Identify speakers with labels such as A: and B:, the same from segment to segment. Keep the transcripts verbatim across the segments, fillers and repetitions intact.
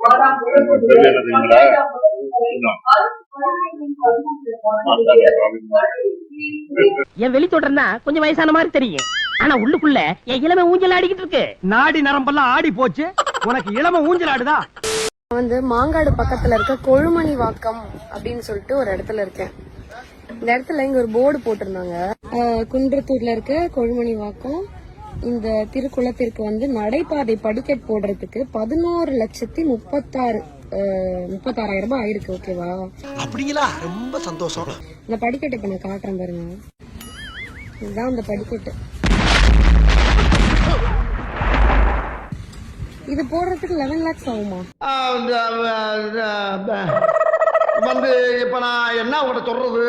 A: என் வெளி தொடர்னா கொஞ்சம் வயசான மாதிரி தெரியும், ஆனா உள்ளுக்குள்ள என் இளமை ஊஞ்சல் ஆடிக்கிட்டு இருக்கு. நாடி நரம்பெல்லாம் ஆடி போச்சு, உனக்கு இளமை ஊஞ்சல் ஆடுதா?
B: வந்து மாங்காடு பக்கத்துல இருக்க கொழுமணி வாக்கம் அப்படின்னு சொல்லிட்டு ஒரு இடத்துல இருக்கேன். இந்த இடத்துல இங்க ஒரு போர்டு போட்டிருந்தாங்க, குன்றத்தூர்ல இருக்க கொழுமணி வாக்கம் இந்த திருக்குளத்திற்கு வந்து நடைபாதை படிக்கட் போடுறதுக்கு பதினோரு லட்சத்தி முப்பத்தாறு முப்பத்தாறாயிரம் ரூபாய் ஆயிருக்கு. ஓகேவா? அப்படிங்களா? ரொம்ப சந்தோஷம். இந்த படிக்கட்டு இப்ப நான் காட்டுறேன் பாருங்க, இதுதான் அந்த படிக்கட்டு. இது போடுறதுக்கு லெவன் லேக்ஸ் ஆகுமா?
C: வந்து இப்ப நான் என்ன உங்கள்கிட்ட சொல்றது,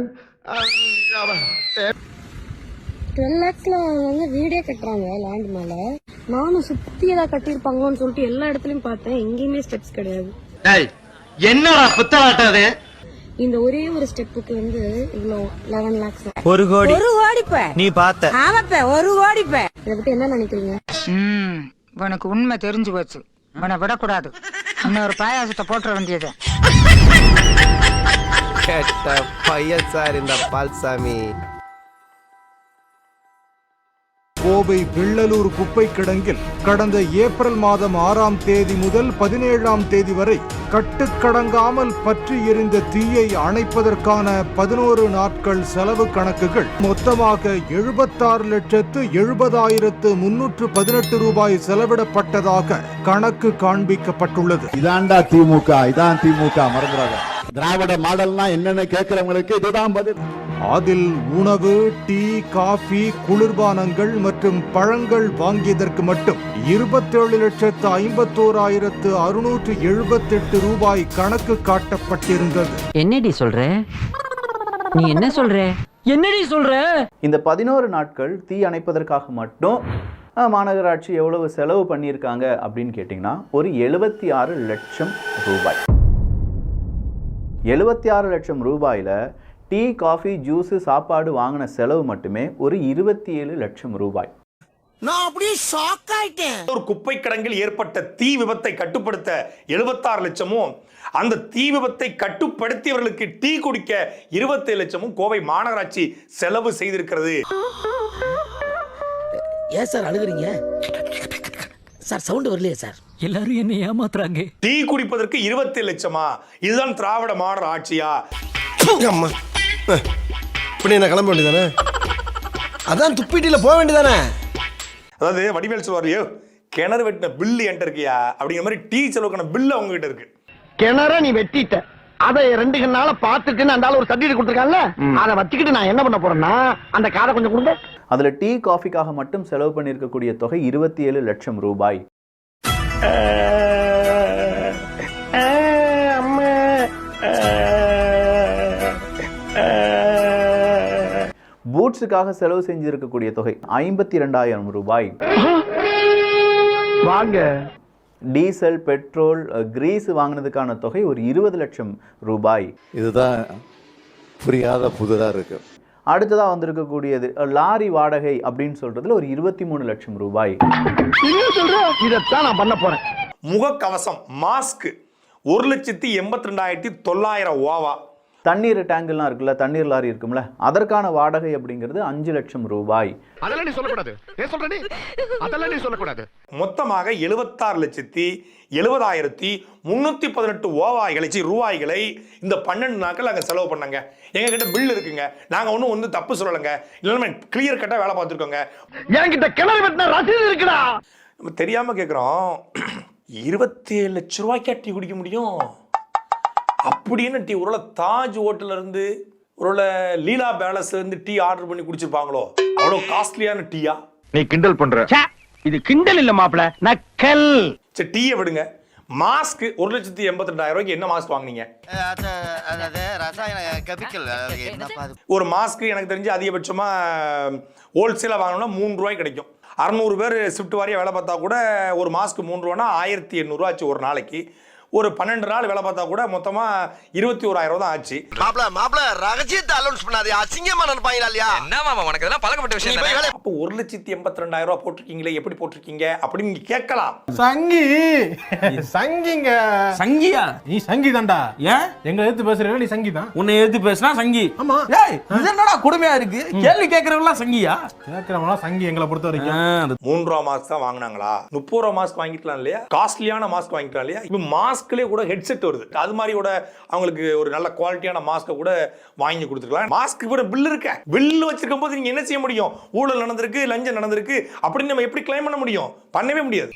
B: டுவெல் லேக்ஸ்ல வந்து வீடே கட்டுறாங்க லேண்ட் மேல. நானும் சுத்தி ஏதாவது கட்டிருப்பாங்களோன்னு சொல்லிட்டு எல்லா இடத்துலயும் பார்த்தேன், எங்கேயுமே ஸ்டெப்ஸ் கிடையாது.
C: என்னடா புத்தாட்டது?
B: இந்த ஒரே ஒரு ஸ்டெப்புக்கு வந்து இவ்வளவு லெவன் லேக்ஸ்.
A: ஒரு கோடி
D: ஒரு கோடிப்ப
A: நீ பார்த்த?
D: ஆமாப்ப ஒரு கோடிப்ப.
B: இதை பத்தி என்ன நினைக்கிறீங்க?
D: உனக்கு உண்மை தெரிஞ்சு போச்சு, உன விடக்கூடாது, இன்னொரு பாயாசத்தை போட்டுற வேண்டியது.
E: கேட்ட பையன் சார் இந்த பால்சாமி.
F: கோவை வெள்ளலூர் குப்பை கிடங்கில் கடந்த ஏப்ரல் மாதம் ஆறாம் தேதி முதல் பதினேழாம் தேதி வரை கட்டுக்கடங்காமல் பற்றி எரிந்த தீயை அணைப்பதற்கான பதினோரு நாட்கள் செலவு கணக்குகள் மொத்தமாக எழுபத்தாறு லட்சத்து எழுபதாயிரத்து முன்னூற்று பதினெட்டு ரூபாய் செலவிடப்பட்டதாக கணக்கு காண்பிக்கப்பட்டுள்ளது.
G: இதாண்டா திமுக, இதான் திமுக, மறந்துடாத. திராவிட மாடல்னா என்னன்னு கேட்கிறவங்களுக்கு இதுதான் பதில்.
F: அதில் உணவு, டீ, காபி, குளிர்பானங்கள் மற்றும் பழங்கள் வாங்கியதற்கு மட்டும் இருபத்தேழு லட்சத்து ஐம்பத்தோராயிரத்து அறுநூற்று எழுபத்தி எட்டு ரூபாய் கணக்கு காட்டப்பட்டிருந்தது.
A: என்னடி சொல்ற? நீ என்ன சொல்ற? என்னடி சொல்ற?
H: இந்த பதினோரு நாட்கள் தீ அணைப்பதற்காக மட்டும் மாநகராட்சி எவ்வளவு செலவு பண்ணியிருக்காங்க அப்படின்னு கேட்டிங்கன்னா ஒரு எழுபத்தி ஆறு லட்சம் ரூபாய். எழுபத்தி ஆறு லட்சம் ரூபாயில டீ, காஃபி, ஜூஸ், சாப்பாடு வாங்கின செலவு மட்டுமே ஒரு இருபத்தி ஏழு லட்சம் ரூபாய்.
C: நான் அப்படியே ஷாக் ஆயிட்டேன். ஒரு குப்பை கிடங்கில் ஏற்பட்ட தீ விபத்தை கட்டுப்படுத்த எழுபத்தாறு லட்சமும், அந்த தீ விபத்தை கட்டுப்படுத்தியவர்களுக்கு டீ குடிக்க இருபத்தி ஏழு லட்சமும் கோவை மாநகராட்சி செலவு செய்திருக்கிறது.
A: ஏன் சார் அழுகுறீங்க சார்? சவுண்ட் வரலையே சார்? எல்லாரும் என்ன ஏமாத்துறாங்க.
C: டீ குடிப்பதற்கு இருபத்தி ஏழு லட்சமா? இதுதான் திராவிட மாடல் ஆட்சியா?
E: அம்மா இப்படி என்ன கிளம்ப வேண்டியதானே? அதான் துப்பிட்டில போக வேண்டியதானே?
C: அதாவது வடிவேல் சொல்வாரு, கிணறு வெட்டின பில்லு என்கிட்ட இருக்கியா அப்படிங்கிற மாதிரி டீ செலவுக்கான பில்லு அவங்க கிட்ட இருக்கு.
I: கிணற நீ வெட்டிட்ட, அதை ரெண்டு நாள பாத்துட்டுன்னு அந்த ஒரு சர்டிபிகேட் கொடுத்துருக்கான்ல, அதை வச்சுக்கிட்டு நான் என்ன பண்ண போறேன்னா அந்த காரை கொஞ்சம் கொடுங்க.
H: அதுல டீ, காஃபிக்காக மட்டும் செலவு பண்ணியிருக்கக்கூடிய தொகை இருபத்தி ஏழு லட்சம் ரூபாய். பூட்ஸுக்காக செலவு செஞ்சிருக்கக்கூடிய தொகை ஐம்பத்தி இரண்டாயிரம் ரூபாய்.
I: வாங்க.
H: டீசல், பெட்ரோல், கிரீஸ் வாங்கினதுக்கான தொகை ஒரு இருபது லட்சம் ரூபாய்.
G: இதுதான் புரியாத புதுதா இருக்கு.
H: அடுத்ததா வந்திருக்கக்கூடியது லாரி வாடகை அப்படின்னு சொல்றதுல ஒரு இருபத்தி மூணு லட்சம் ரூபாய்.
I: இதைத்தான் நான் பண்ண போறேன்.
C: முகக்கவசம், மாஸ்க் ஒரு லட்சத்தி எண்பத்தி ரெண்டாயிரத்தி தொள்ளாயிரம் ஓவா.
H: தண்ணீர் டேங்கெல்லாம் இருக்குல்ல, தண்ணீர் லாரி இருக்கும்ல, அதற்கான வாடகை அப்படிங்கிறது அஞ்சு லட்சம் ரூபாய்.
I: அதெல்லாம் நீ சொல்லக்கூடாது. ஏன் சொல்ற நீ? அதெல்லாம் நீ சொல்லக்கூடாது.
C: மொத்தமாக எழுபத்தாறு லட்சத்தி எழுபதாயிரத்தி முன்னூத்தி பதினெட்டு ஓவாய்களை ரூபாய்களை இந்த பன்னெண்டு நாட்கள் நாங்கள் செலவு பண்ணாங்க. எங்க கிட்ட பில் இருக்குங்க, நாங்க ஒன்றும் வந்து தப்பு சொல்லலைங்க, இல்லைன்னா கிளியர் கட்டா வேலை பார்த்துருக்கோங்க.
I: என்கிட்ட கிணறு வெட்டின ரசீது இருக்குடா.
C: நம்ம தெரியாம கேட்குறோம், இருபத்தி ஏழு லட்சம் ரூபாய்க்கா டீ குடிக்க முடியும் அப்படின்னு டீ ஒருவேளை தாஜ் ஹோட்டல்ல இருந்து ஒருவேளை லீலா பேலஸ்ல இருந்து டீ ஆர்டர் பண்ணி குடிச்சிருப்பாங்களோ? அவ்வளவு காஸ்ட்லியான டீயா?
I: நீ கிண்டல் பண்ற. இது கிண்டல் இல்ல மாப்ள, நக்கல்.
C: சரி, டீயை விடுங்க. மாஸ்க் ஒரு லட்சத்தி எண்பத்தி ரெண்டாயிரம் ரூபாய்க்கு என்ன மாஸ்க் வாங்குனீங்க? ஒரு மாஸ்க் எனக்கு தெரிஞ்சு அதிகபட்சமா ஹோல்சேலா வாங்கணும்னா மூணு ரூபாய் கிடைக்கும். அறுநூறு பேர் ஷிஃப்ட் வாரியா வேலை பார்த்தா கூட ஒரு மாஸ்க் மூணு ரூபானா ஆயிரத்தி எண்ணூறு ஆச்சு ஒரு நாளைக்கு. ஒரு பன்னெண்டு நாள் வேலை பார்த்தா கூட மொத்தமா இருபத்தி ஓராயிரம் ரூபாய் தான் ஆச்சு.
E: மாப்ள மாப்ள ரகசியத்தை அலௌன்ஸ் பண்ணாதே, அசிங்கமா நினைப்பாங்களா இல்லையா?
J: என்ன மாமா உனக்கு இதெல்லாம் பழக்கப்பட்ட விஷயம் தானே.
C: அப்போ ஒரு லட்சத்தி எண்பத்தி ரெண்டாயிரம் ரூபாய் போட்டிருக்கீங்களே, எப்படி போட்டிருக்கீங்க அப்படின்னு நீங்க கேட்கலாம்.
J: சங்கி சங்கிங்க
K: சங்கியா?
J: நீ சங்கி தான்டா.
K: ஏன்
J: எங்களை எடுத்து பேசுற நீ சங்கி தான்.
K: உன்னை எடுத்து பேசினா சங்கி.
J: ஆமா.
K: ஏய் இது என்னடா கொடுமையா இருக்கு? கேள்வி கேட்கறவங்க சங்கியா?
J: கேட்கறவங்க சங்கி எங்களை பொறுத்த வரைக்கும்.
C: மூன்று ரூபா மாஸ்க் தான் வாங்கினாங்களா? முப்பது ரூபா மாஸ்க் வாங்கிக்கலாம் இல்லையா? காஸ்ட்லியான மாஸ்க் வாங்கிக்கலாம் இல்லையா? இப்போ மாஸ்க்லயே கூட ஹெட்செட் வருது. அது மாதிரி கூட அவங்களுக்கு ஒரு நல்ல குவாலிட்டியான மாஸ்க்கை கூட வாங்கி கொடுத்துருக்கலாம். மாஸ்க் கூட பில் இருக்க, பில் வச்சிருக்கும் போது நீங்க என்ன செய்ய முடியும்? ஊழல் நடந்திருக்கு, லஞ்சம் நடந்திருக்கு அப்படின்னு நம்ம எப்படி கிளைம் பண்ண முடியும்? பண்ணவே முடியாது.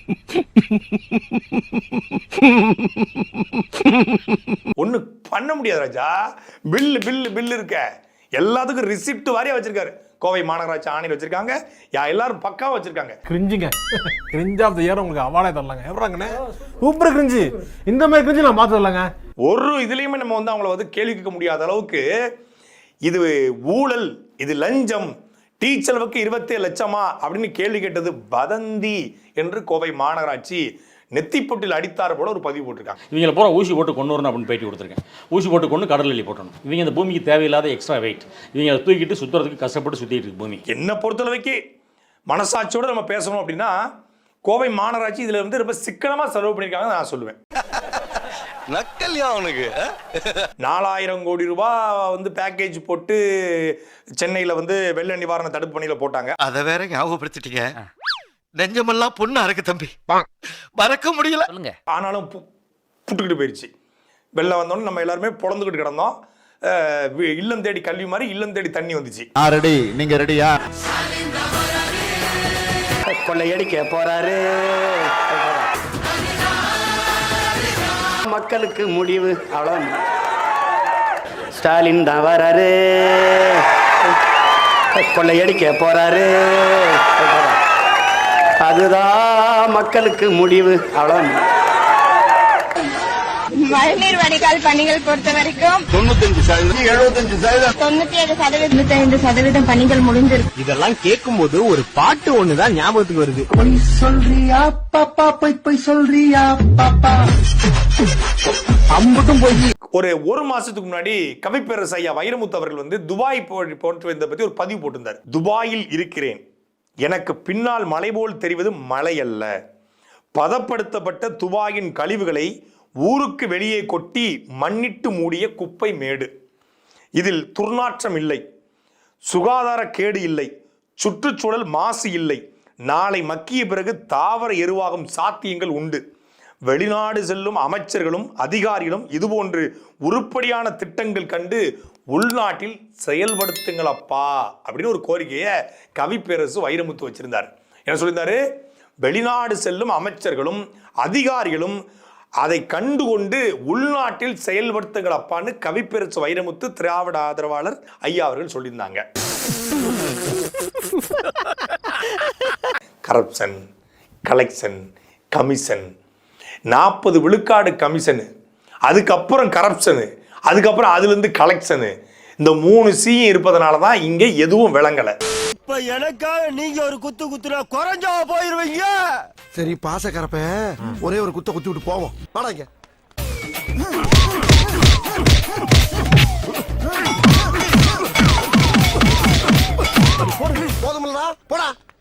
C: ஒண்ணு பண்ண முடியாது ராஜா. பில் பில் பில் இருக்க, எல்லாத்துக்கும் ரிசிப்ட் வாரியா வச்சிருக்காரு. கோவை மாநகராட்சி ஆணையர் வச்சிருக்காங்க, யா எல்லாரும் பக்காவா வச்சிருக்காங்க.
J: கிரிஞ்சிங்க, கிரிஞ்ச் ஆஃப் தி இயர் உங்களுக்கு அவார்டே தரலாங்க. எப்பறாங்கண்ணே சூப்பர் கிரிஞ்சி, இந்த மாதிரி கிரிஞ்சி நான் பார்த்து வரலாங்க.
C: ஒரு இதுலயுமே நம்ம வந்து அவங்கள வந்து கேள்வி கேட்க முடியாத அளவுக்கு இது ஊழல், இது லஞ்சம், டீச்சருக்கு இருபத்தேழு லட்சமா அப்படின்னு கேள்வி கேட்டது வதந்தி என்று கோவை மாநகராட்சி நெத்திப்பொட்டில் அடித்தார் போல ஒரு பதிவு போட்டிருக்காங்க.
K: இவங்களை பூரா ஊசி போட்டு கொண்டு வரணும் அப்படின்னு பேட்டி கொடுத்துருக்கேன். ஊசி போட்டு கொண்டு கடல் எள்ளி போட்டணும். இவங்க இந்த பூமிக்கு தேவையில்லாத எக்ஸ்ட்ரா வெயிட். இவங்க அதை தூக்கிட்டு சுற்றுறதுக்கு கஷ்டப்பட்டு சுற்றிட்டு இருக்கு பூமி.
C: என்னை பொறுத்தளவுக்கு மனசாட்சியோடு நம்ம பேசணும் அப்படின்னா கோவை மாநகராட்சி இதில் இருந்து ரொம்ப சிக்கனமாக செலவு பண்ணியிருக்காங்க நான் சொல்லுவேன்.
E: நக்கல்யா அவனுக்கு
C: நாலாயிரம் கோடி ரூபாய் வந்து பேக்கேஜ் போட்டு சென்னையில் வந்து வெள்ள நிவாரண தடுப்பு பணியில் போட்டாங்க.
E: அதை வேற ஞாபகப்படுத்திட்டீங்க. நெஞ்சமெல்லாம் பொண்ணு அறக்கு தம்பி, மறக்க முடியல.
C: ஆனாலும் புட்டுக்கிட்டு போயிடுச்சு. வெள்ளம் வந்தோன்னு நம்ம எல்லாருமே பொழந்துக்கிட்டு கிடந்தோம். இல்லம் தேடி கல்வி மாதிரி இல்லம் தேடி தண்ணி வந்துச்சு.
G: ரெடி, நீங்க ரெடியா?
I: கொள்ளையடிக்க போறாரு, மக்களுக்கு முடிவு அவ்வளவு. ஸ்டாலின் தான் வராரு, கொள்ளையடிக்க போறாரு, அதுதான் மக்களுக்கு முடிவு அவ்வளவு.
L: மழைநீர் வடிகால் பணிகள் பொறுத்த வரைக்கும்
G: தொண்ணூத்தஞ்சு சதவீதம் எழுபத்தஞ்சு சதவீதம்
L: தொண்ணூத்தி ஏழு சதவீதம் தொண்ணூத்தி ஐந்து சதவீதம் பணிகள் முடிஞ்சிருக்கு.
J: இதெல்லாம் கேட்கும் போது ஒரு பாட்டு ஒண்ணுதான் ஞாபகத்துக்கு வருது.
I: பொய் சொல்றியா பாப்பா, பொய் பொய் சொல்றியா பாப்பா, அம்புட்டும் போய்.
C: ஒரு ஒரு மாசத்துக்கு முன்னாடி கவிப்பேரரசு ஐயா வைரமுத்து அவர்கள் வந்து துபாய் போன்று வந்த பத்தி ஒரு பதிவு போட்டிருந்தார். துபாயில் இருக்கிறேன், எனக்கு பின்னால் மலை போல் தெரிவது மலை அல்ல, பதப்படுத்தப்பட்ட துபாயின் கழிவுகளை ஊருக்கு வெளியே கொட்டி மண்ணிட்டு மூடிய குப்பை மேடு. இதில் துர்நாற்றம் இல்லை, சுகாதார கேடு இல்லை, சுற்றுச்சூழல் மாசு இல்லை, நாளை மக்கிய பிறகு தாவர எருவாகும் சாத்தியங்கள் உண்டு. வெளிநாடு செல்லும் அமைச்சர்களும் அதிகாரிகளும் இதுபோன்று உருப்படியான திட்டங்கள் கண்டு உள்நாட்டில் செயல்படுத்துங்கள் அப்பா அப்படின்னு ஒரு கோரிக்கையை கவிப்பேரரசு வைரமுத்து வச்சிருந்தார். என்ன சொல்லியிருந்தாரு? வெளிநாடு செல்லும் அமைச்சர்களும் அதிகாரிகளும் அதை கண்டுகொண்டு உள்நாட்டில் செயல்படுத்துங்கள் அப்பான்னு கவிப்பேரரசு வைரமுத்து திராவிட ஆதரவாளர் ஐயா அவர்கள் சொல்லியிருந்தாங்க. கரப்ஷன், கலெக்ஷன், கமிஷன், நாற்பது விழுக்காடு கமிஷனு, அதுக்கப்புறம் கரப்ஷனு, அதுக்கப்புறம் அதுல இருந்து கலெக்ஷனு, இந்த மூணு சீயும் இருப்பதனால தான் இங்க எதுவும் விளங்கல.
E: இப்ப எனக்காக நீங்க ஒரு குத்து குத்துனா குறைஞ்சா போயிருவீங்க. சரி பாசக்கரப்ப ஒரே ஒரு குத்த குத்தி விட்டு போவோம். வாடாங்க. போதுமில்லடா போடா.